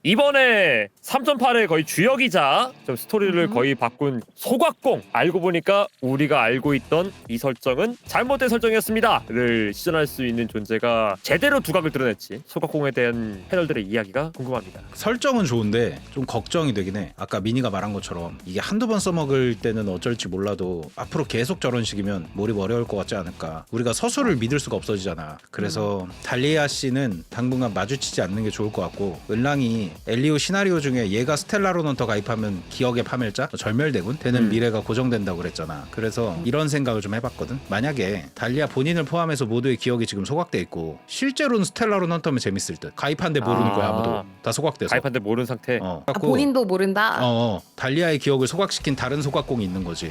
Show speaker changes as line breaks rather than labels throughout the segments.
이번에 3.8의 거의 주역이자 좀 스토리를 거의 바꾼 소각공, 알고 보니까 우리가 알고 있던 이 설정은 잘못된 설정이었습니다를 시전할 수 있는 존재가 제대로 두각을 드러냈지. 소각공에 대한 패널들의 이야기가 궁금합니다.
설정은 좋은데 좀 걱정이 되긴 해. 아까 미니가 말한 것처럼 이게 한두 번 써먹을 때는 어쩔지 몰라도 앞으로 계속 저런 식이면 몰입 어려울 것 같지 않을까. 우리가 서술을 믿을 수가 없어지잖아. 그래서 달리아 씨는 당분간 마주치지 않는 게 좋을 것 같고, 은랑이 엘리오 시나리오 중에 얘가 스텔라로넌터 가입하면 기억의 파멸자, 절멸대군 되는 미래가 고정된다고 그랬잖아. 그래서 이런 생각을 좀 해봤거든. 만약에 달리아 본인을 포함해서 모두의 기억이 지금 소각돼 있고 실제로는 스텔라로넌터면 재밌을 듯. 가입한데 모르는 거야 아무도. 다 소각돼서.
가입한데 모르는 상태.
본인도 모른다.
달리아의 기억을 소각시킨 다른 소각공이 있는 거지.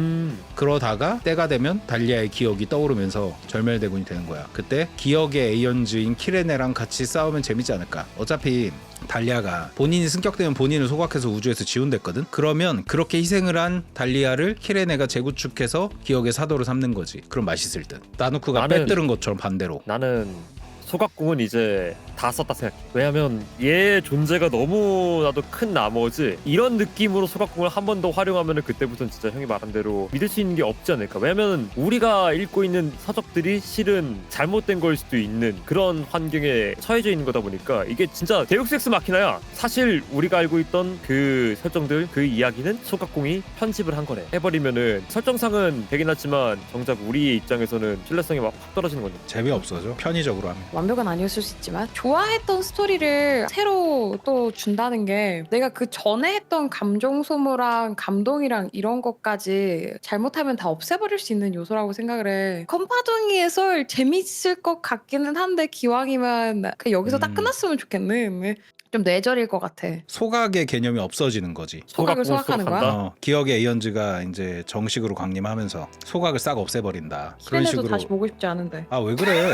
그러다가 때가 되면 달리아의 기억이 떠오르면서 절멸대군이 되는 거야. 그때 기억의 에이언즈인 키레네랑 같이 싸우면 재밌지 않을까. 어차피 달리아가 본인이 승격되면 본인을 소각해서 우주에서 지운댔거든. 그러면 그렇게 희생을 한 달리아를 키레네가 재구축해서 기억의 사도로 삼는 거지. 그럼 맛있을 듯. 나누크가 빼뜨른 것처럼 반대로.
나는 소각공은 이제 다 썼다 생각해. 왜냐면 얘 존재가 너무나도 큰 나머지 이런 느낌으로 소각공을 한 번 더 활용하면 그때부터는 진짜 형이 말한 대로 믿을 수 있는 게 없지 않을까. 왜냐면 우리가 읽고 있는 서적들이 실은 잘못된 걸 수도 있는 그런 환경에 처해져 있는 거다 보니까 이게 진짜 데우스 엑스 마키나야. 사실 우리가 알고 있던 그 설정들, 그 이야기는 소각공이 편집을 한 거래. 해버리면은 설정상은 되긴 하지만 정작 우리 입장에서는 신뢰성이 막 확 떨어지는 건데
재미없어져 편의적으로 하면.
완벽은 아니었을 수 있지만 좋아했던 스토리를 새로 또 준다는 게 내가 그 전에 했던 감정 소모랑 감동이랑 이런 것까지 잘못하면 다 없애버릴 수 있는 요소라고 생각을 해. 컴파둥이의 썰 재밌을 것 같기는 한데 기왕이면 그냥 여기서 딱 끝났으면 좋겠네. 좀 뇌절일 것 같아.
소각의 개념이 없어지는 거지.
소각을 소각하는 거야?
기억의 에이언즈가 이제 정식으로 강림하면서 소각을 싹 없애버린다. 그런
키레네도
식으로.
다시 보고 싶지 않은데.
아 왜 그래?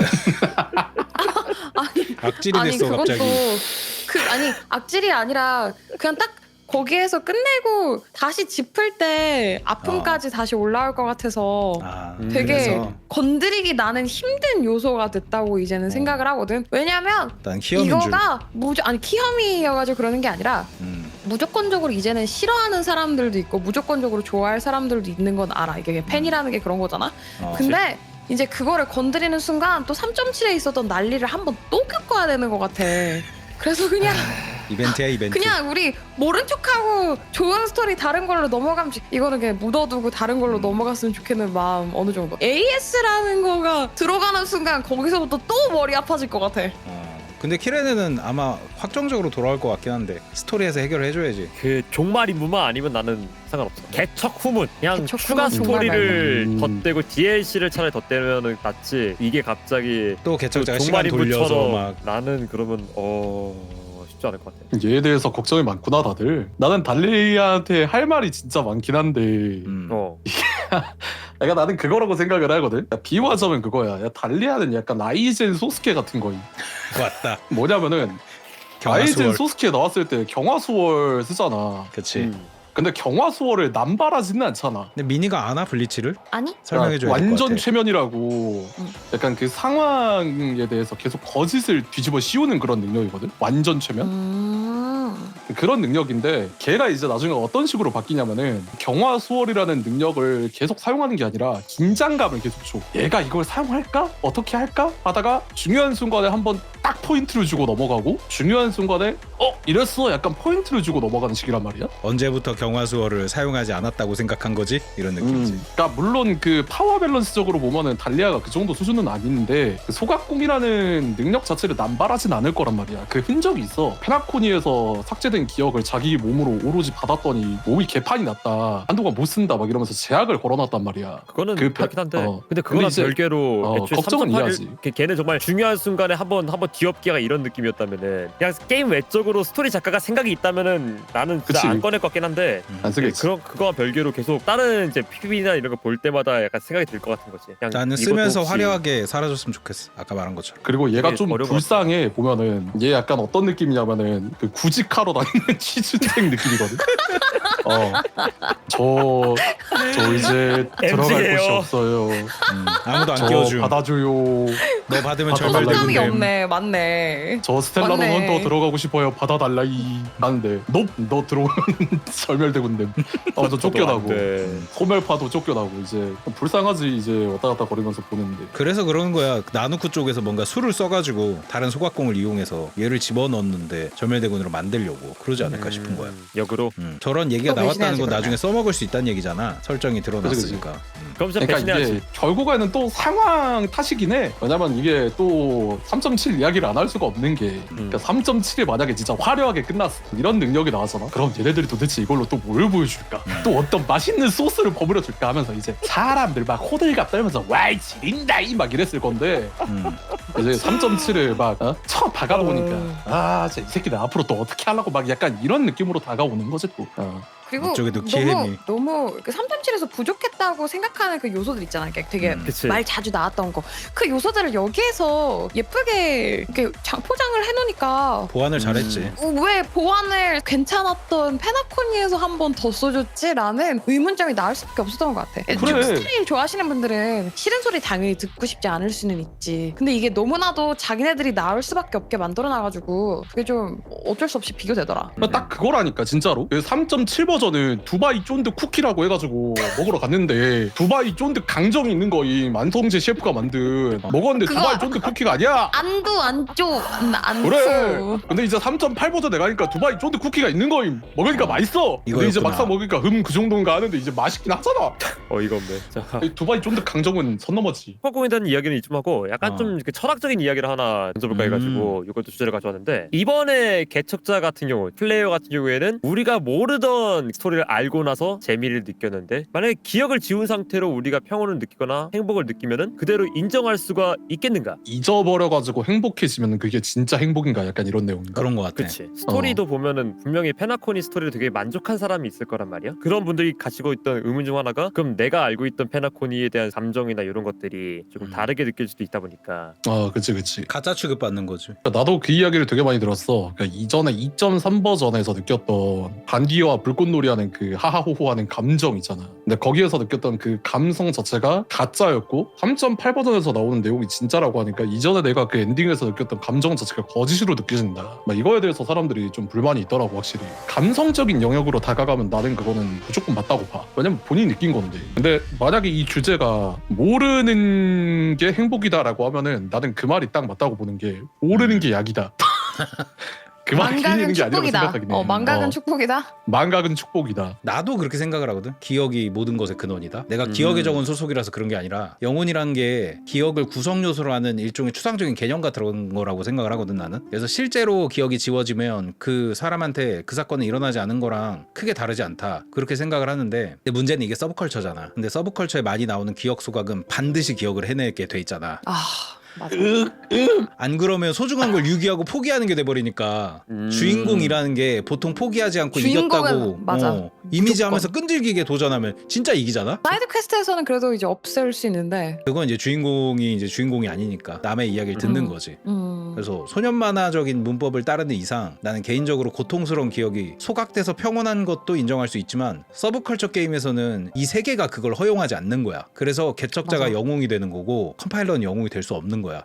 악질이
아니
됐어
그것도
갑자기.
아니 악질이 아니라 그냥 딱 거기에서 끝내고 다시 짚을 때 아픔까지 다시 올라올 것 같아서 되게
그래서
건드리기 나는 힘든 요소가 됐다고 이제는 생각을 하거든. 왜냐면
난 키엄인 줄.
이거가 아니 키엄이어가지고 그러는 게 아니라 무조건적으로 이제는 싫어하는 사람들도 있고 무조건적으로 좋아할 사람들도 있는 건 알아. 이게 팬이라는 게 그런 거잖아. 근데 이제 그거를 건드리는 순간 또 3.7에 있었던 난리를 한번 또 겪어야 되는 것 같아. 그래서 그냥
이벤트야 이벤트.
그냥 우리 모른 척하고 좋은 스토리 다른 걸로 넘어가면 이거는 그냥 묻어두고 다른 걸로 넘어갔으면 좋겠는 마음 어느 정도. AS라는 거가 들어가는 순간 거기서부터 또 머리 아파질 것 같아.
근데 키레네는 아마 확정적으로 돌아올 것 같긴 한데 스토리에서 해결을 해줘야지.
그 종말 인물만 아니면 나는 상관없어. 개척 후문 그냥
개척
추가
후문
스토리를 덧대고 DLC를 차라리 덧대면은 낫지. 이게 갑자기
또 개척자가
그
시간 돌려서
인물처럼
막.
나는 그러면 쉽지 않을 것 같아.
얘에 대해서 걱정이 많구나 다들. 나는 달리아한테 할 말이 진짜 많긴 한데 나는 그거라고 생각을 하거든. 비유하자면 그거야. 달리아는 약간 아이젠 소스케 같은 거임.
왔다.
뭐냐면은 아이젠 소스케 나왔을 때 경화수월 쓰잖아.
그치.
근데 경화수월을 남발하지는 않잖아.
근데 미니가 아나 블리치를?
아니?
설명해줘야 될 것 같아.
완전 최면이라고 약간 그 상황에 대해서 계속 거짓을 뒤집어 씌우는 그런 능력이거든. 완전 최면. 그런 능력인데 걔가 이제 나중에 어떤 식으로 바뀌냐면은 경화수월이라는 능력을 계속 사용하는 게 아니라 긴장감을 계속 줘. 얘가 이걸 사용할까? 어떻게 할까? 하다가 중요한 순간에 한번 딱 포인트를 주고 넘어가고 중요한 순간에 이랬어 약간 포인트를 주고 넘어가는 식이란 말이야.
언제부터 경화수어를 사용하지 않았다고 생각한 거지? 이런 느낌이지.
그러니까 물론 그 파워 밸런스적으로 보면은 달리아가 그 정도 수준은 아닌데 그 소각공이라는 능력 자체를 남발하진 않을 거란 말이야. 그 흔적이 있어. 페나코니에서 삭제된 기억을 자기 몸으로 오로지 받았더니 몸이 개판이 났다. 한동안 못 쓴다 막 이러면서 제약을 걸어놨단 말이야.
그거는 그렇긴 한데
근데
근데 그거랑
이제,
별개로 애초에
걱정은
3.8을
이해하지.
걔는 정말 중요한 순간에 한번 뒤엎기가 이런 느낌이었다면은 그냥 게임 외적으로 스토리 작가가 생각이 있다면은 나는 진짜
그치.
안 꺼낼 것 같긴 한데
안 쓰겠지.
그거와 별개로 계속 다른 이제 PV나 이런 거 볼 때마다 약간 생각이 들 것 같은 거지. 그냥
나는
이것도
쓰면서
혹시
화려하게 사라졌으면 좋겠어. 아까 말한 것처럼.
그리고 얘가
되게
좀
어려운
불쌍해 보면은 얘 약간 어떤 느낌이냐면은 그 구직하러 다니는 취준생 느낌이거든. 저 이제 들어갈
MG 예요.
곳이 없어요.
아무도 안
저
끼워줌.
받아줘요.
너 받으면
받아달라고.
절멸
소감이
되는데.
없네. 맞네.
저 스텔라로
맞네.
헌터 들어가고 싶어요. 받아달라 이 하는데 너 들어오면 절멸되군데 저 쫓겨나고
네.
소멸파도 쫓겨나고 이제 불쌍하지 이제 왔다 갔다 거리면서 보는데
그래서 그러는 거야. 나누쿠 쪽에서 뭔가 수를 써가지고 다른 소각공을 이용해서 얘를 집어넣었는데 절멸대군으로 만들려고 그러지 않을까 싶은 거야.
역으로.
저런 얘기가
또
나왔다는
배신해야지,
건
그러면.
나중에 써먹을 수 있다는 얘기잖아. 설정이 드러났으니까.
그럼 진짜
그러니까
배신해야지.
이게 결국에는 또 상황 탓이긴 해. 왜냐면 이게 또 3.7 이야기를 안 할 수가 없는 게 그러니까 3.7이 만약에 진짜 화려하게 끝났어 이런 능력이 나왔잖아. 그럼 얘네들이 도대체 이걸로 또 뭘 보여줄까? 또 어떤 맛있는 소스를 버무려 줄까 하면서 이제 사람들 막 호들갑 떨면서 와이 지린다 이 막 이랬을 건데 이제 3.7을 막 쳐 다가오니까 아 진짜 이 새끼들 앞으로 또 어떻게 하려고 막 약간 이런 느낌으로 다가오는 거지 또.
그리고
이쪽에도 기회미.
너무 3.7에서 부족했다고 생각하는 그 요소들 있잖아. 되게
그치.
말 자주 나왔던 거. 그 요소들을 여기에서 예쁘게 이렇게 포장을 해놓으니까
보완을 잘했지.
왜 보완을 괜찮았던 페나코니에서 한 번 더 써줬지라는 의문점이 나올 수밖에 없었던 것 같아.
그래.
스타일 좋아하시는 분들은 싫은 소리 당연히 듣고 싶지 않을 수는 있지. 근데 이게 너무나도 자기네들이 나올 수밖에 없게 만들어놔가지고 그게 좀 어쩔 수 없이 비교되더라.
딱 그거라니까 진짜로 3.7 버전은 두바이 쫀득 쿠키라고 해가지고 먹으러 갔는데 두바이 쫀득 강정이 있는 거임. 안성재 셰프가 만든 먹었는데
그거-
두바이 쫀득 쿠키가 아니야.
안쪽
그래. 근데 이제 3.8 버전에 가니까 두바이 쫀득 쿠키가 있는 거임. 먹으니까 맛있어. 근데 이제
이거였구나.
막상 먹으니까 그 정도인가 하는데 이제 맛있긴 하잖아.
어이가 없네. 자.
이 두바이 쫀득 강정은 선 넘었지.
소각공에 대한 이야기는 이쯤 하고 약간 좀 이렇게 철학적인 이야기를 하나 던져볼까 해가지고 이것도 주제를 가져왔는데 이번에 개척자 같은 경우 플레이어 같은 경우에는 우리가 모르던 스토리를 알고 나서 재미를 느꼈는데 만약에 기억을 지운 상태로 우리가 평온을 느끼거나 행복을 느끼면은 그대로 인정할 수가 있겠는가?
잊어버려가지고 행복해지면 그게 진짜 행복인가 약간 이런 내용인가.
그런 거 같아.
그치. 스토리도 보면은 분명히 페나코니 스토리를 되게 만족한 사람이 있을 거란 말이야. 그런 분들이 가지고 있던 의문 중 하나가 그럼 내가 알고 있던 페나코니에 대한 감정이나 이런 것들이 조금 다르게 느낄 수도 있다 보니까
그치.
가짜 취급받는 거지.
그러니까 나도 그 이야기를 되게 많이 들었어. 그러니까 이전에 2.3 버전에서 느꼈던 반디와 불꽃놀이하는 그 하하호호하는 감정 있잖아. 근데 거기에서 느꼈던 그 감성 자체가 가짜였고 3.8 버전에서 나오는 내용이 진짜라고 하니까 이전에 내가 그 엔딩에서 느꼈던 감정 자체가 거짓으로 느껴진다. 막 이거에 대해서 사람들이 좀 불만이 있더라고 확실히. 감성적인 영역으로 다가가면 나는 그거는 무조건 맞다고 봐. 왜냐면 본인이 느낀 건데. 근데 만약에 이 주제가 모르는 게 행복이다라고 하면은 나는 그 말이 딱 맞다고 보는 게 모르는 게 약이다. 그 말이
망각은
틀리는 게 아니라고
축복이다.
생각하긴 해.
망각은 축복이다.
망각은 축복이다.
나도 그렇게 생각을 하거든. 기억이 모든 것의 근원이다. 내가 기억에 적은 소속이라서 그런 게 아니라 영혼이란 게 기억을 구성 요소로 하는 일종의 추상적인 개념 같은 거라고 생각을 하거든 나는. 그래서 실제로 기억이 지워지면 그 사람한테 그 사건이 일어나지 않은 거랑 크게 다르지 않다. 그렇게 생각을 하는데 근데 문제는 이게 서브컬처잖아. 근데 서브컬처에 많이 나오는 기억 소각은 반드시 기억을 해내게 돼 있잖아.
맞아.
안 그러면 소중한 걸 유기하고 포기하는 게 돼버리니까 주인공이라는 게 보통 포기하지 않고
주인공은
이겼다고
맞아.
이미지하면서 끈질기게 도전하면 진짜 이기잖아.
사이드 퀘스트에서는 그래도 이제 없앨 수 있는데.
그건 이제 주인공이 아니니까 남의 이야기를 듣는 거지. 그래서 소년 만화적인 문법을 따르는 이상 나는 개인적으로 고통스러운 기억이 소각돼서 평온한 것도 인정할 수 있지만 서브컬처 게임에서는 이 세계가 그걸 허용하지 않는 거야. 그래서 개척자가
맞아.
영웅이 되는 거고 컴파일러는 영웅이 될 수 없는 거야.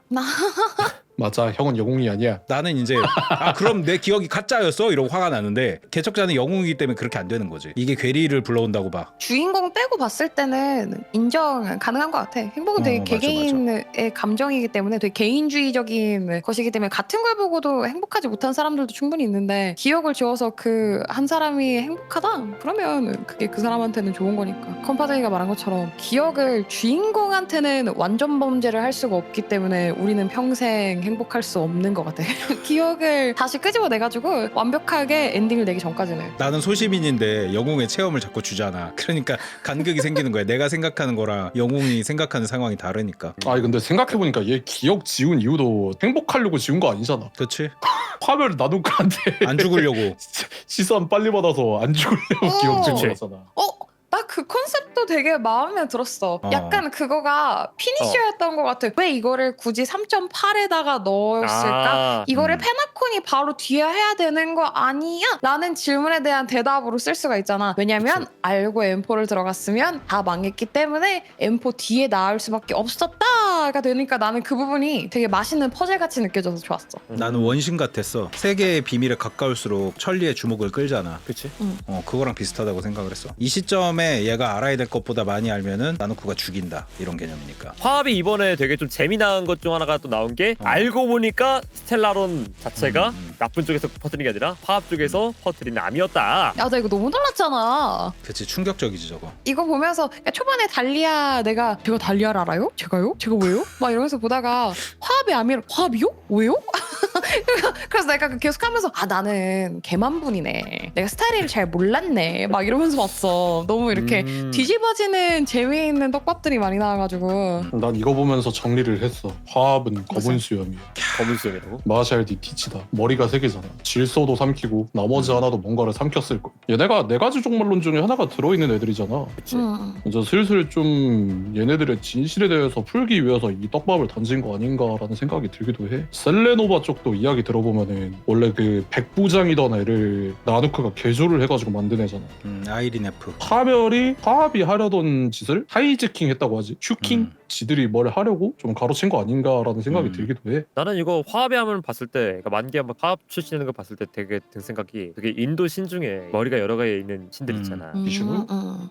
맞아. 형은 영웅이 아니야.
나는 이제 그럼 내 기억이 가짜였어? 이러고 화가 나는데 개척자는 영웅이기 때문에 그렇게 안 되는 거지. 이게 괴리를 불러온다고 봐.
주인공 빼고 봤을 때는 인정 가능한 것 같아. 행복은 되게
맞아,
개개인의 감정이기 때문에 되게 개인주의적인 것이기 때문에 같은 걸 보고도 행복하지 못한 사람들도 충분히 있는데 기억을 지워서 그 한 사람이 행복하다? 그러면 그게 그 사람한테는 좋은 거니까. 컴파드이가 말한 것처럼 기억을 주인공한테는 완전 범죄를 할 수가 없기 때문에 우리는 평생 행복할 수 없는 것 같아. 기억을 다시 끄집어내가지고 완벽하게 엔딩을 내기 전까지는.
나는 소시민인데 영웅의 체험을 자꾸 주잖아. 그러니까 간극이 생기는 거야. 내가 생각하는 거랑 영웅이 생각하는 상황이 다르니까.
아니 근데 생각해보니까 얘 기억 지운 이유도 행복하려고 지운 거 아니잖아.
그치?
화면을 나누카한테
안 죽으려고.
시선 빨리 받아서 안 죽으려고 기억 지운 거잖아.
나 그 컨셉도 되게 마음에 들었어. 약간 그거가 피니셔였던 것 같아. 왜 이거를 굳이 3.8에다가 넣었을까? 이거를 페나콘이 바로 뒤에 해야 되는 거 아니야? 라는 질문에 대한 대답으로 쓸 수가 있잖아. 왜냐면 알고 M4를 들어갔으면 다 망했기 때문에 M4 뒤에 나올 수밖에 없었다 대화가 되니까 나는 그 부분이 되게 맛있는 퍼즐같이 느껴져서 좋았어.
나는 원신 같았어. 세계의 비밀에 가까울수록 천리의 주목을 끌잖아.
그치?
그거랑 비슷하다고 생각을 했어. 이 시점에 얘가 알아야 될 것보다 많이 알면은 나누쿠가 죽인다 이런 개념이니까.
화합이 이번에 되게 좀 재미난 것 중 하나가 또 나온 게 알고 보니까 스텔라론 자체가 나쁜 쪽에서 퍼뜨린 게 아니라 화합 쪽에서 퍼뜨린 암이었다.
야, 나 이거 너무 놀랐잖아.
그치, 충격적이지 저거.
이거 보면서 초반에 달리아 내가 제가 달리아를 알아요? 제가요? 제가 왜요? 막 이러면서 보다가 화합이 아니라 화합이요? 왜요? 그래서 내가 계속하면서 나는 개만분이네. 내가 스타일을 잘 몰랐네. 막 이러면서 봤어. 너무 이렇게 뒤집어지는 재미있는 떡밥들이 많이 나와가지고
난 이거 보면서 정리를 했어. 화합은 검은 수염이야.
검은 수염이라고?
마샬디 티치다. 머리가 세 개잖아. 질소도 삼키고 나머지 하나도 뭔가를 삼켰을 거. 얘네가 네 가지 종말론 중에 하나가 들어있는 애들이잖아.
그치?
이제 슬슬 좀 얘네들의 진실에 대해서 풀기 위해서 이 떡밥을 던진 거 아닌가라는 생각이 들기도 해. 셀레노바 쪽도 이야기 들어보면은 원래 그 백부장이던 애를 나누크가 개조를 해가지고 만든 애잖아.
아이린 F.
파멸이 화합이 하려던 짓을 하이제킹 했다고 하지. 슈킹? 지들이 뭘 하려고 좀 가로챈 거 아닌가라는 생각이 들기도 해.
나는 이거 화합의 함을 봤을 때, 그러니까 만기 한번 화합 출시하는 걸 봤을 때 되게 든 생각이, 되게 인도 신 중에 머리가 여러 가지 있는 신들 있잖아.
비슈누?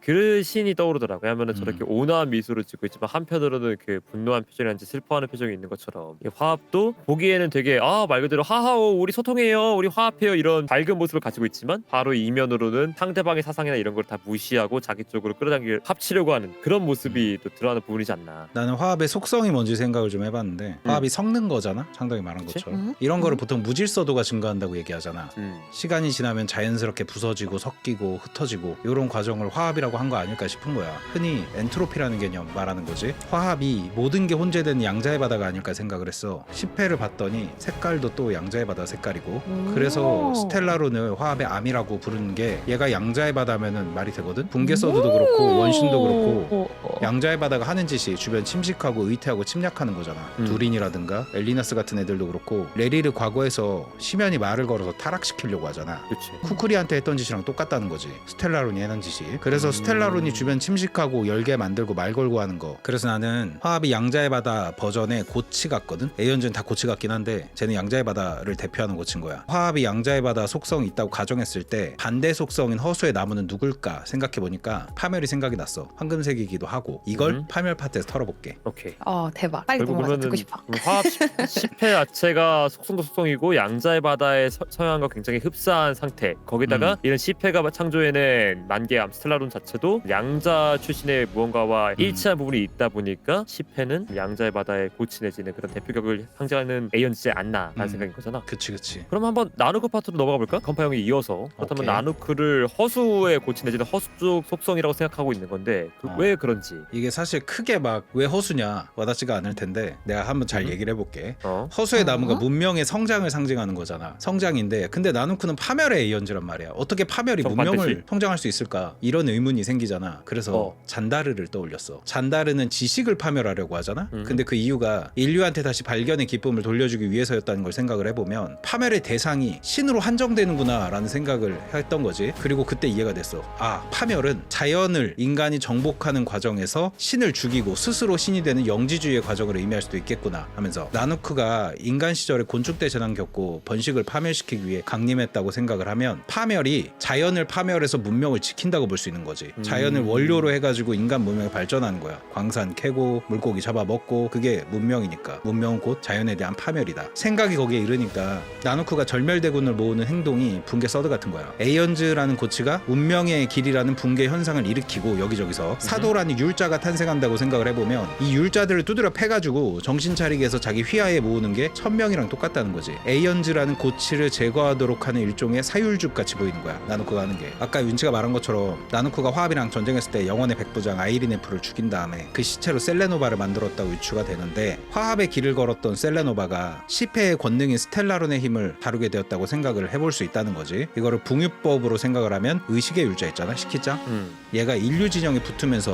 그 신이 떠오르더라고. 왜냐면은 저렇게 온화한 미소를 짓고 있지만 한편으로는 그 분노한 표정이란지 슬퍼하는 표정이 있는 것처럼, 이 화합도 보기에는 되게 말 그대로 하하오 우리 소통해요, 우리 화합해요 이런 밝은 모습을 가지고 있지만 바로 이면으로는 상대방의 사상이나 이런 걸 다 무시하고 자기 쪽으로 끌어당길 합치려고 하는 그런 모습이 또 드러나는 부분이지 않나.
나는 화합의 속성이 뭔지 생각을 좀 해봤는데 화합이 섞는 거잖아. 상당히 말한
그치?
것처럼. 이런 거를 보통 무질서도가 증가한다고 얘기하잖아. 시간이 지나면 자연스럽게 부서지고 섞이고 흩어지고 이런 과정을 화합이라고 한 거 아닐까 싶은 거야. 흔히 엔트로피라는 개념 말하는 거지. 화합이 모든 게 혼재된 양자의 바다가 아닐까 생각을 했어. 10회를 봤더니 색깔도 또 양자의 바다 색깔이고, 그래서 스텔라론을 화합의 암이라고 부르는 게 얘가 양자의 바다면은 말이 되거든. 붕괴서드도 그렇고 원신도 그렇고 양자의 바다가 하는 짓이 주변 침식하고 의태하고 침략하는 거잖아. 두린이라든가 엘리나스 같은 애들도 그렇고 레리르 과거에서 심연이 말을 걸어서 타락시키려고 하잖아.
그치?
쿠쿠리한테 했던 짓이랑 똑같다는 거지. 스텔라론이 하는 짓이. 그래서 스텔라론이 주변 침식하고 열개 만들고 말 걸고 하는 거. 그래서 나는 화합이 양자의 바다 버전의 고치 같거든. 에이언즈는 다 고치 같긴 한데 쟤는 양자의 바다를 대표하는 고치인 거야. 화합이 양자의 바다 속성이 있다고 가정했을 때 반대 속성인 허수의 나무는 누굴까 생각해보니까 파멸이 생각이 났어. 황금색이기도 하고. 이걸 파멸 파트에서 털어볼게.
오케이.
대박. 빨리
결국
넘어가서
보면은
듣고 싶어.
화합 10회 자체가 속성도 속성이고 양자의 바다의 서양과 굉장히 흡사한 상태. 거기다가 이런 10회가 창조해낸 만개암 스텔라론 자체도 양자 출신의 무언가와 일치한 부분이 있다 보니까 10회는 양자의 바다의 고치 내지는 그런 대표격을 상징하는 에이언즈지 않나라는 생각인 거잖아.
그치.
그럼 한번 나누크 파트로 넘어가 볼까? 건파 형이 이어서. 그렇다면
오케이.
나누크를 허수의 고치 내지는 허수 쪽 속성이라고 생각하고 있는 건데 왜 그런지.
이게 사실 크게 막 왜 허수냐 와닿지가 않을 텐데 내가 한번 잘 얘기를 해볼게. 허수의 나무가 문명의 성장을 상징하는 거잖아. 성장인데 근데 나누크는 파멸의 에이언즈란 말이야. 어떻게 파멸이 문명을
반드시.
성장할 수 있을까? 이런 의문이 생기잖아. 그래서 잔다르를 떠올렸어. 잔다르는 지식을 파멸하려고 하잖아. 근데 그 이유가 인류한테 다시 발견의 기쁨을 돌려주기 위해서였다는 걸 생각을 해보면 파멸의 대상이 신으로 한정되는구나 라는 생각을 했던 거지. 그리고 그때 이해가 됐어. 파멸은 자연을 인간이 정복하는 과정에서 신을 죽이고 스스로 신이 되는 영지주의의 과정을 의미할 수도 있겠구나 하면서 나누크가 인간 시절에 곤충대 재난 겪고 번식을 파멸시키기 위해 강림했다고 생각을 하면 파멸이 자연을 파멸해서 문명을 지킨다고 볼 수 있는 거지. 자연을 원료로 해가지고 인간 문명이 발전하는 거야. 광산 캐고 물고기 잡아먹고 그게 문명이니까. 문명은 곧 자연에 대한 파멸이다. 생각이 거기에 이르니까 나누크가 절멸대군을 모으는 행동이 붕괴 서드 같은 거야. 에이언즈라는 고치가 운명의 길이라는 붕괴 현상을 일으키고 여기저기서 사도라는 율자가 탄생한다고 생각을 해보면 이 율자들을 두드려 패가지고 정신 차리게 해서 자기 휘하에 모으는 게 천명이랑 똑같다는 거지. 에이언즈라는 고치를 제거하도록 하는 일종의 사율죽 같이 보이는 거야. 나누크가 하는 게. 아까 윤치가 말한 것처럼 나누크가 화합이랑 전쟁했을 때 영혼의 백부장 아이린 F를 죽인 다음에 그 시체로 셀레노바를 만들었다고 유추가 되는데 화합의 길을 걸었던 셀레노바가 10회의 권능인 스텔라론의 힘을 다루게 되었다고 생각을 해볼 수 있다는 거지. 이거를 붕유법으로 생각을 하면 의식의 율자 있잖아. 시키짱. 얘가 인류 진영에 붙으면서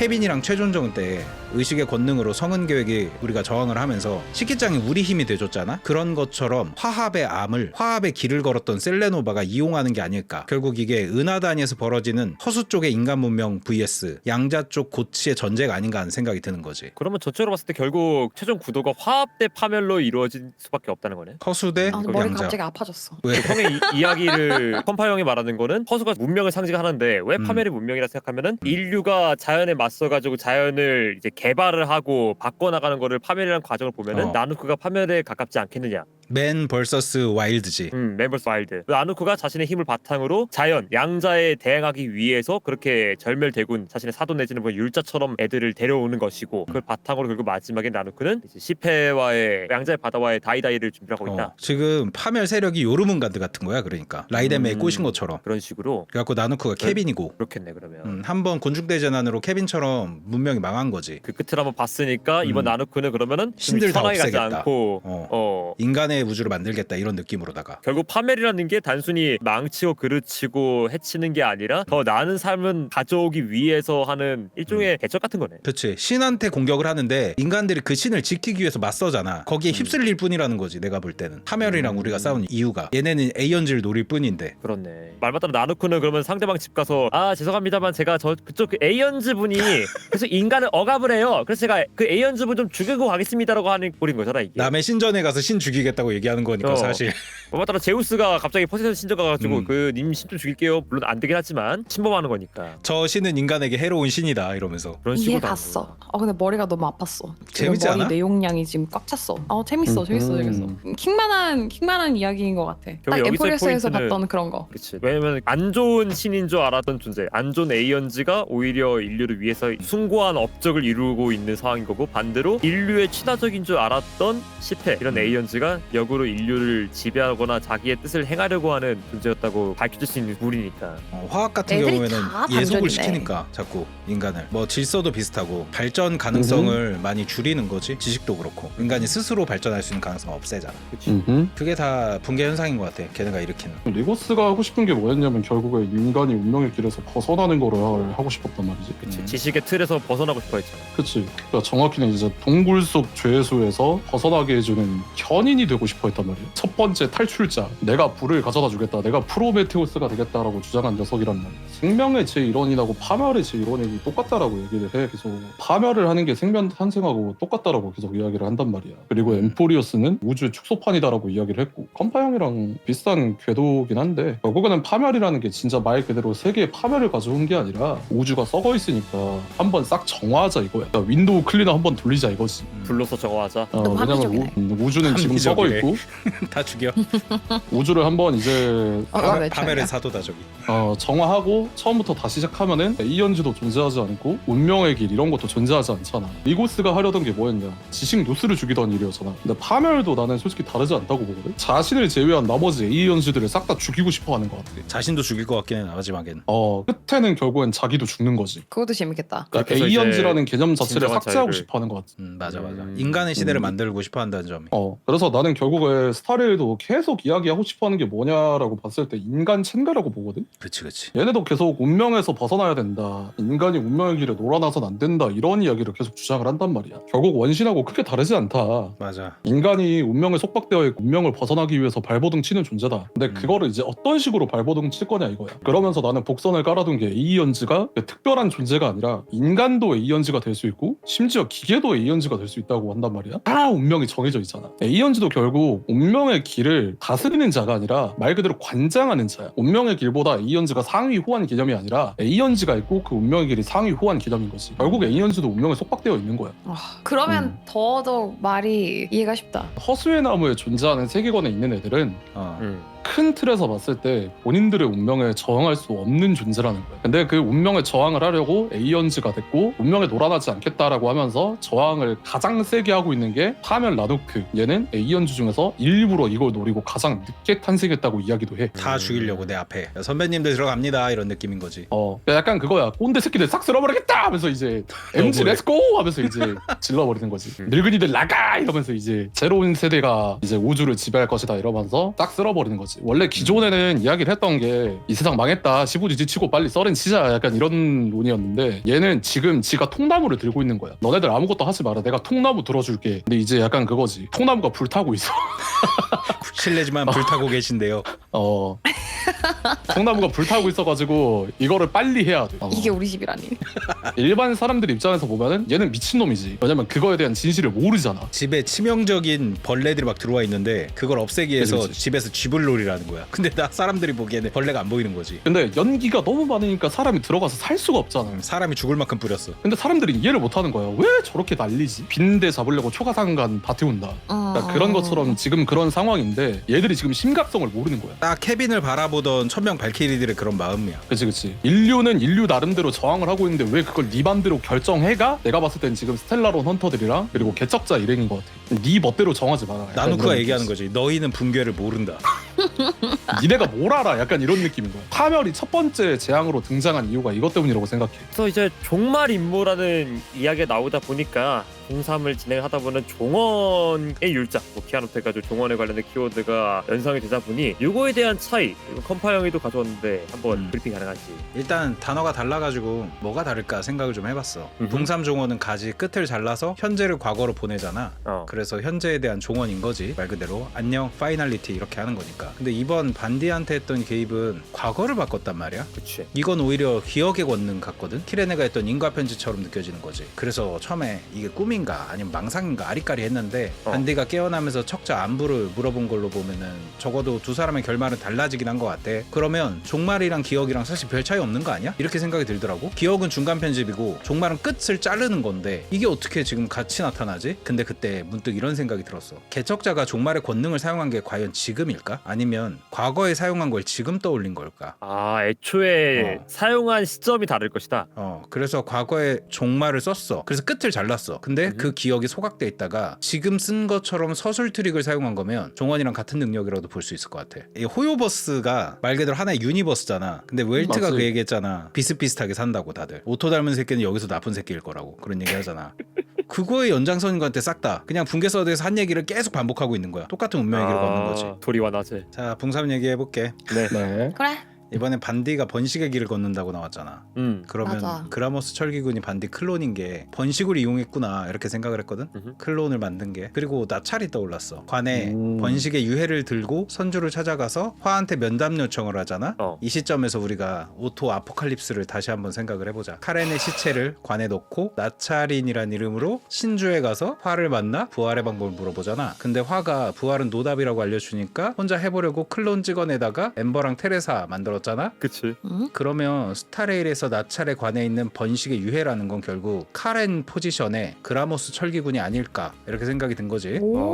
케빈이랑 최종정 때 의식의 권능으로 성은 계획이 우리가 저항을 하면서 식기장이 우리 힘이 돼줬잖아. 그런 것처럼 화합의 암을 화합의 길을 걸었던 셀레노바가 이용하는 게 아닐까. 결국 이게 은하단위에서 벌어지는 허수 쪽의 인간 문명 vs 양자 쪽 고치의 전쟁 아닌가 하는 생각이 드는 거지.
그러면 전체로 봤을 때 결국 최종 구도가 화합 대 파멸로 이루어질 수밖에 없다는 거네.
허수 대
아, 머리
양자.
갑자기 아파졌어.
왜?
형의 이야기를 컴파 형이 말하는 거는 허수가 문명을 상징하는데 왜 파멸이 문명이라 생각하면은 인류가 자연에 맞서가지고 자연을 이제 개발을 하고 바꿔나가는 거를 파멸이라는 과정을 보면은 나누크가 파멸에 가깝지 않겠느냐.
맨 vs 와일드지.
멤버스 와일드. 나누크가 자신의 힘을 바탕으로 자연 양자에 대항하기 위해서 그렇게 절멸대군 자신의 사도 내지는 뭐 율자처럼 애들을 데려오는 것이고 그걸 바탕으로 결국 마지막에 나누크는 이제 시페와의 양자의 바다와의 다이다이를 준비하고 있다.
지금 파멸 세력이 요르문가드 같은 거야. 그러니까 라이덴메에 꼬신 것처럼.
그런 식으로.
그래갖고 나누크가 케빈이고.
그렇겠네 그러면.
한번 곤충대재난으로 케빈처럼 문명이 망한 거지.
그 끝을 한번 봤으니까 이번 나누크는 그러면은
신들 다
편하게 가지
없애겠다.
않고
인간의 우주를 만들겠다 이런 느낌으로다가.
결국 파멸이라는 게 단순히 망치고 그르치고 해치는 게 아니라 더 나은 삶을 가져오기 위해서 하는 일종의 대적 같은 거네.
그렇지. 신한테 공격을 하는데 인간들이 그 신을 지키기 위해서 맞서잖아. 거기에 휩쓸릴 뿐이라는 거지. 내가 볼 때는 파멸이랑 우리가 싸운 이유가 얘네는 에이언즈를 노릴 뿐인데.
그렇네. 말 맞다로 나누크는 그러면 상대방 집 가서 아 죄송합니다만 제가 저 그쪽 그 에이언즈 분이 계속 인간을 억압을 해요. 그래서 제가 그 에이언즈 분 좀 죽이고 가겠습니다라고 하는 꼴인 거잖아 이게.
남의 신전에 가서 신 죽이겠다고 얘기하는 거니까 사실.
말 맞다로 제우스가 갑자기 포세이돈 신전 가가지고 그 님 신 좀 죽일게요. 물론 안 되긴 하지만 침범하는 거니까.
저 신은 인간에게 해로운 신이다 이러면서.
그런 식으로
이해 갔어. 근데 머리가 너무 아팠어. 지금
재밌지
머리
않아?
내용량이 지금 꽉 찼어. 재밌어. 재밌어. 킹만한 이야기인 것 같아. 딱
여기서의
엠포리어스에서
포인트는-
봤던 그런 거.
그렇지. 왜냐면 안 좋은 신인 줄 알았던 존재, 안 좋은 에이언즈가 오히려 인류를 위해서 숭고한 업적을 이루고 있는 상황인 거고 반대로 인류의 친화적인 줄 알았던 시페 이런 에이언즈가 역으로 인류를 지배하거나 자기의 뜻을 행하려고 하는 존재였다고 밝혀질 수 있는 물이니까.
화학 같은
애들이
경우에는
다
예속을
반전이네.
시키니까 자꾸 인간을 뭐 질서도 비슷하고 발전 가능성을 많이 줄이는 거지. 지식도 그렇고 인간이 스스로 발전할 수 있는 가능성 없애잖아. 그게 다 붕괴 현상인 것 같아. 걔네가 일으키는.
리고스가 하고 싶은 게 뭐였냐면 결국에 인간이 운명의 길에서 벗어나는 거를 하고 싶었단 말이지.
그치. 지식의 틀에서 벗어나고 싶어 했잖아.
그치. 그러니까 정확히는 이제 동굴 속 죄수에서 벗어나게 해주는 현인이 되고 싶어 했단 말이야. 첫 번째 탈출자. 내가 불을 가져다 주겠다. 내가 프로메테우스가 되겠다라고 주장한 녀석이란 말이야. 생명의 제1원이라고 파멸의 제1원이 똑같다라고 얘기를 해. 계속 파멸을 하는 게 생명 탄생하고 똑같다라고 계속 이야기를 한단 말이야. 그리고 엠포리어스는 우주의 축소판이다라고 이야기를 했고 컴파 형이랑 비슷한 궤도긴 한데 결국에는 파멸이라는 게 진짜 말 그대로 세계의 파멸을 가져온 게 아니라 우주가 썩어 있으니까 한번 싹 정화하자 이거야. 그러니까 윈도우 클리너 한번 돌리자 이거지.
불로서 저거하자.
너무
왜냐면
합리적이네.
우주는 지금 썩어
합리적이네.
있고
다 죽여.
우주를 한번 이제
왜
파멸의
차이야?
사도다 저기.
정화하고 처음부터 다시 시작하면은 이연즈도 존재하지 않고 운명의 길 이런 것도 존재하지 않잖아. 리고스가 하려던 게 뭐였냐? 지식 누스를 죽이던 일이었잖아. 근데 파멸도 나는 솔직히 다르지 않다고 보거든. 자신을 제외한 나머지 A연즈들을 싹 다 죽이고 싶어하는 것 같아.
자신도 죽일 것 같긴 해 마지막에는.
끝에는 결국엔 자기도 죽는 거지.
그것도 재밌겠다.
그러니까
그래서
A연즈라는 개념 자체를
진정한
삭제하고
자유를-
싶어하는 것 같아.
맞아. 인간의 시대를 만들고 싶어한다는 점이.
그래서 나는 결국에 스타레일도 계속 이야기하고 싶어하는 게 뭐냐라고 봤을 때 인간 챈가라고 보거든.
그치.
얘네도 계속 운명에서 벗어나야 된다. 인간이 운명의 길에 놀아나선 안 된다. 이런 이야기를 계속 주장을 한단 말이야. 결국 원신하고 크게 다르지 않다.
맞아.
인간이 운명에 속박되어 있고 운명을 벗어나기 위해서 발버둥 치는 존재다. 근데 그거를 이제 어떤 식으로 발버둥 칠 거냐 이거야. 그러면서 나는 복선을 깔아둔 게 에이언즈가 특별한 존재가 아니라 인간도 에이언즈가 될 수 있고 심지어 기계도 에이언즈가 될 수 있다고 한단 말이야. 다 운명이 정해져 있잖아. 에이언즈도 결국 운명의 길을 다스리는 자가 아니라 말 그대로 관장하는 자야. 운명의 길보다 에이언즈가 상위 후한 개념이 아니라 에이언즈가 있고 그 운명의 길이 상위 후한 개념인 거지. 결국 에이언즈도 운명에 속박되어 있는 거야.
그러면 더더욱 말이 이해가 쉽다.
허수의 나무에 존재하는 세계관에 있는 애들은 큰 틀에서 봤을 때 본인들의 운명에 저항할 수 없는 존재라는 거야. 근데 그 운명에 저항을 하려고 에이언즈가 됐고 운명에 놀아나지 않겠다라고 하면서 저항을 가장 세게 하고 있는 게 파멸 라누크. 얘는 에이언즈 중에서 일부러 이걸 노리고 가장 늦게 탄생했다고 이야기도 해.
다 죽이려고 내 앞에. 선배님들 들어갑니다 이런 느낌인 거지.
약간 그거야. 꼰대 새끼들 싹 쓸어버리겠다 하면서 이제 MG
뭐래?
렛츠고 하면서 이제 질러버리는 거지. 늙은이들 나가 이러면서 이제 새로운 세대가 이제 우주를 지배할 것이다 이러면서 싹 쓸어버리는 거지. 거지. 원래 기존에는 이야기를 했던 게 이 세상 망했다, 시부지 지치고 빨리 썰은 치자, 약간 이런 논이었는데 얘는 지금 지가 통나무를 들고 있는 거야. 너네들 아무것도 하지 마라, 내가 통나무 들어줄게. 근데 이제 약간 그거지, 통나무가 불타고 있어.
실례지만 불타고 계신데요.
통나무가 불타고 있어가지고 이거를 빨리 해야 돼.
이게 우리 집이라니.
일반 사람들 입장에서 보면은 얘는 미친놈이지. 왜냐면 그거에 대한 진실을 모르잖아.
집에 치명적인 벌레들이 막 들어와 있는데 그걸 없애기 위해서
그치.
집에서 쥐불놀이라는 거야. 근데 나 사람들이 보기에는 벌레가 안 보이는 거지.
근데 연기가 너무 많으니까 사람이 들어가서 살 수가 없잖아.
사람이 죽을 만큼 뿌렸어.
근데 사람들이 이해를 못하는 거야. 왜 저렇게 난리지? 빈대 잡으려고 초가상간 다 태운다. 그러니까 그런 것처럼 지금 그런 상황인데 얘들이 지금 심각성을 모르는 거야.
딱 케빈을 바라보던 천명 발키리들의 그런 마음이야.
그치. 인류는 인류 나름대로 저항을 하고 있는데 왜 그걸 네 맘대로 결정해가? 내가 봤을 땐 지금 스텔라론 헌터들이랑 그리고 개척자 일행인 것 같아. 네 멋대로 정하지 마라. 약간
나누크가
이런
얘기하는
느낌이지.
거지. 너희는 붕괴를 모른다.
니네가 뭘 알아? 약간 이런 느낌인 거야. 파멸이 첫 번째 재앙으로 등장한 이유가 이것 때문이라고 생각해.
그래서 이제 종말 임무라는 이야기가 나오다 보니까 공삼을 진행하다 보면 종원의 율작, 뭐 키아노트 해가지고 종원에 관련된 키워드가 연상이 되다 보니 이거에 대한 차이, 이거 컴파 형이도 가져왔는데 한번 브리핑 가능한지.
일단 단어가 달라가지고 뭐가 다를까 생각을 좀 해봤어. 붕삼 종원은 가지 끝을 잘라서 현재를 과거로 보내잖아. 그래서 현재에 대한 종원인 거지. 말 그대로 안녕 파이널리티 이렇게 하는 거니까. 근데 이번 반디한테 했던 개입은 과거를 바꿨단 말이야.
그치.
이건 오히려 기억의 권능 같거든. 키레네가 했던 인과 편지처럼 느껴지는 거지. 그래서 처음에 이게 꿈인가 아니면 망상인가 아리까리 했는데 반디가 깨어나면서 척자 안부를 물어본 걸로 보면은 적어도 두 사람의 결말은 달라지긴 한 것 같아. 그러면 종말이랑 기억이랑 사실 별 차이 없는 거 아니야? 이렇게 생각이 들더라고. 기억은 중간 편집이고 종말은 끝을 자르는 건데 이게 어떻게 지금 같이 나타나지? 근데 그때 문득 이런 생각이 들었어. 개척자가 종말의 권능을 사용한 게 과연 지금일까? 아니면 과거에 사용한 걸 지금 떠올린 걸까?
애초에 사용한 시점이 다를 것이다.
그래서 과거에 종말을 썼어. 그래서 끝을 잘랐어. 근데 그 기억이 소각돼 있다가 지금 쓴 것처럼 서술 트릭을 사용한 거면 종원이랑 같은 능력이라도 볼 수 있을 것 같아. 이 호요버스가 말 그대로 하나의 유니버스잖아. 근데 웰트가
맞지.
그 얘기했잖아. 비슷비슷하게 산다고 다들. 오토 닮은 새끼는 여기서 나쁜 새끼일 거라고 그런 얘기 하잖아. 그거의 연장선인 것 같아. 싹 다 그냥 붕괴서드에서 한 얘기를 계속 반복하고 있는 거야. 똑같은 운명의 길을 걷는 거지.
도리와 나제.
자, 붕삼 얘기해볼게.
네.
그래.
이번엔 반디가 번식의 길을 걷는다고 나왔잖아. 그러면
맞아.
그라모스 철기군이 반디 클론인 게 번식을 이용했구나 이렇게 생각을 했거든. 클론을 만든 게. 그리고 나찰이 떠올랐어. 관에 번식의 유해를 들고 선주를 찾아가서 화한테 면담 요청을 하잖아. 이 시점에서 우리가 오토 아포칼립스를 다시 한번 생각을 해보자. 카렌의 시체를 관에 넣고 나찰인이란 이름으로 신주에 가서 화를 만나 부활의 방법을 물어보잖아. 근데 화가 부활은 노답이라고 알려주니까 혼자 해보려고 클론 찍어내다가 엠버랑 테레사 만들었잖아.
그치.
그러면 스타레일에서 나찰에 관해 있는 번식의 유해라는 건 결국 카렌 포지션의 그라모스 철기군이 아닐까 이렇게 생각이 든 거지.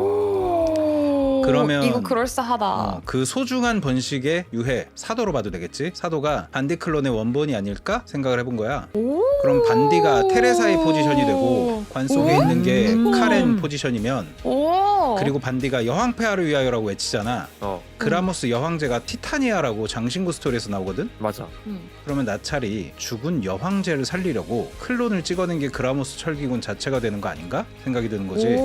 그러면
이거 그럴싸하다.
그 소중한 번식의 유해 사도로 봐도 되겠지. 사도가 반디 클론의 원본이 아닐까 생각을 해본 거야. 그럼 반디가 테레사의 포지션이 되고 관 속에 있는 게 카렌 포지션이면 그리고 반디가 여왕폐하를 위하여라고 외치잖아. 그라모스 여황제가 티타니아라고 장신구 스토리에서 나오거든.
맞아.
그러면 나찰이 죽은 여황제를 살리려고 클론을 찍어낸 게 그라모스 철기군 자체가 되는 거 아닌가 생각이 드는 거지.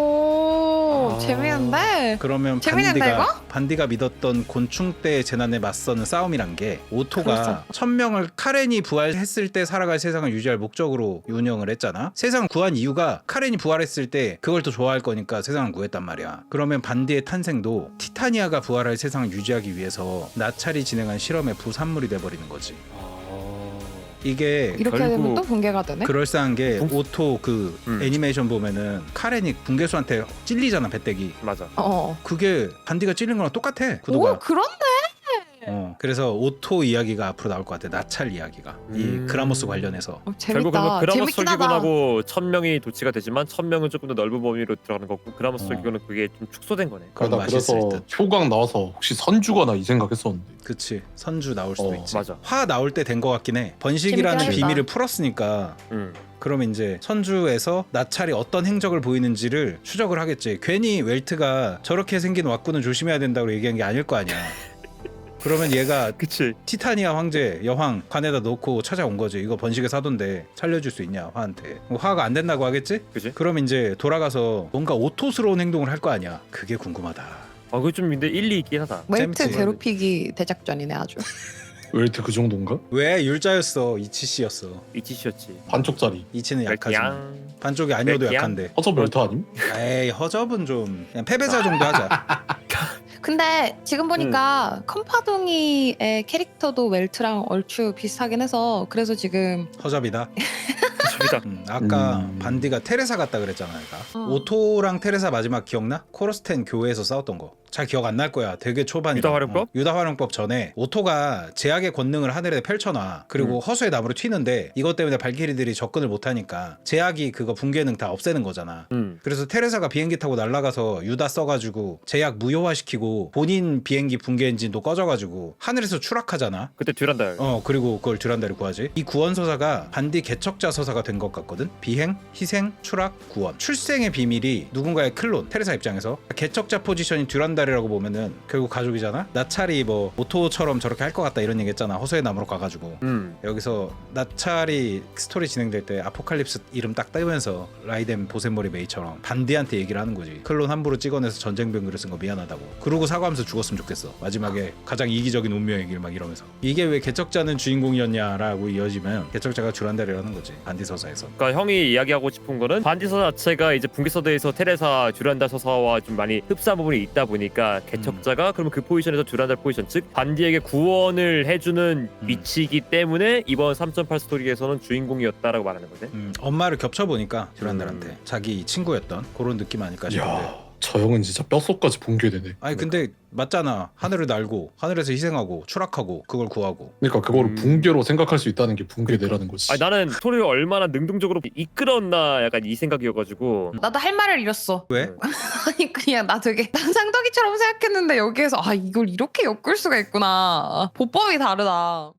재미있는데?
그러면
재밌는데, 이거?
반디가 믿었던 곤충대의 재난에 맞서는 싸움이란 게 오토가
그렇죠.
1000명을 카렌이 부활했을 때 살아갈 세상을 유지할 목적으로 운영을 했잖아. 세상을 구한 이유가 카렌이 부활했을 때 그걸 더 좋아할 거니까 세상을 구했단 말이야. 그러면 반디의 탄생도 티타니아가 부활할 세상을 유지하기 위해서 나찰이 진행한 실험의 부산물이 돼버리는 거지. 이게
이렇게
결국
되면 또 붕괴가 되네?
그럴싸한 게 오토 그 애니메이션 보면은 카렌이 붕괴수한테 찔리잖아, 배때기.
맞아.
그게 반디가 찔린 거랑 똑같아, 구도가.
오, 그런데?
그래서 오토 이야기가 앞으로 나올 것 같아. 나찰 이야기가 이 그라모스 관련해서.
결국
재밌다.
그라모스
재밌긴 하다.
철기군하고 1000명이 도치가 되지만 1000명은 조금 더 넓은 범위로 들어가는 거고 그라모스 철기군은 그게 좀 축소된 거네.
그건
나
맛있을
그래서
듯.
효광 나와서 혹시 선주거나 이 생각했었는데.
그치, 선주 나올 수도 있지.
맞아.
화 나올 때 된 것 같긴 해. 번식이라는
재밌긴
비밀을
하겠다.
풀었으니까.
음.
그러면 이제 선주에서 나찰이 어떤 행적을 보이는지를 추적을 하겠지. 괜히 웰트가 저렇게 생긴 왁구는 조심해야 된다고 얘기한 게 아닐 거 아니야. 그러면 얘가
그치.
티타니아 황제 여왕 관에다 놓고 찾아온 거지. 이거 번식의 사도인데 살려줄 수 있냐 화한테. 화가 안 된다고 하겠지?
그치?
그럼 이제 돌아가서 뭔가 오토스러운 행동을 할 거 아니야. 그게 궁금하다.
그거 좀 근데 일리 있긴 하다.
웨이트
재밌지.
괴롭히기 대작전이네 아주.
웨이트 그 정도인가?
왜 율자였어? 이치씨였어.
이치씨였지.
반쪽짜리.
이치는 약하지만
양.
반쪽이 아니어도
멜트양?
약한데.
허접 멜트 아님?
에이 허접은 좀 그냥 패배자 정도 하자.
근데 지금 보니까 컴파동이의 캐릭터도 웰트랑 얼추 비슷하긴 해서 그래서 지금
허접이다.
저기다.
아까 반디가 테레사 같다 그랬잖아. 내가. 오토랑 테레사 마지막 기억나? 코러스텐 교회에서 싸웠던 거. 잘 기억 안 날 거야. 되게 초반이야.
유다활용법?
유다활용법 전에 오토가 제약의 권능을 하늘에 펼쳐놔. 그리고 허수의 나무를 튀는데 이것 때문에 발키리들이 접근을 못하니까 제약이 그거 붕괴능 다 없애는 거잖아. 그래서 테레사가 비행기 타고 날아가서 유다 써가지고 제약 무효화시키고 본인 비행기 붕괴 엔진도 꺼져가지고 하늘에서 추락하잖아.
그때 듀란달.
그리고 그걸 듀란다리 구하지. 이 구원 서사가 반디 개척자 서사가 된 것 같거든. 비행, 희생, 추락, 구원. 출생의 비밀이 누군가의 클론. 테레사 입장에서 개척자 포지션인 듀란다리라고 보면은 결국 가족이잖아. 나찰이 뭐 오토처럼 저렇게 할 것 같다 이런 얘기했잖아. 허수의 나무로 가가지고. 여기서 나찰이 스토리 진행될 때 아포칼립스 이름 딱 뜨면서 라이덴 보센머리 메이처럼 반디한테 얘기를 하는 거지. 클론 함부로 찍어내서 전쟁병기를 쓴 거 미안하다고. 그러고 사과하면서 죽었으면 좋겠어. 마지막에 가장 이기적인 운명의 길 막 이러면서. 이게 왜 개척자는 주인공이었냐라고 이어지면 개척자가 듀란다리라는 거지. 반디 서사에서.
그러니까 형이 이야기하고 싶은 거는 반디서 자체가 이제 붕괴서대에서 테레사 듀란달 서사와 좀 많이 흡사한 부분이 있다 보니까 개척자가 그러면 그 포지션에서 듀란달 포지션 즉 반디에게 구원을 해주는 위치이기 때문에 이번 3.8 스토리에서는 주인공이었다라고 말하는 거지.
엄마를 겹쳐보니까 듀란달한테 자기 친구였던 그런 느낌 아닐까 싶은데.
야, 저 형은 진짜 뼛속까지 붕괴되네.
아니 근데 맞잖아. 하늘을 날고 하늘에서 희생하고 추락하고 그걸 구하고.
그러니까 그거를 붕괴로 생각할 수 있다는 게 붕괴되라는 거지.
아니 나는 스토리를 얼마나 능동적으로 이끌었나 약간 이 생각이어가지고.
나도 할 말을 잃었어.
왜?
아니 그냥 나 되게 쌍둥이처럼 생각했는데 여기에서 이걸 이렇게 엮을 수가 있구나. 보법이 다르다.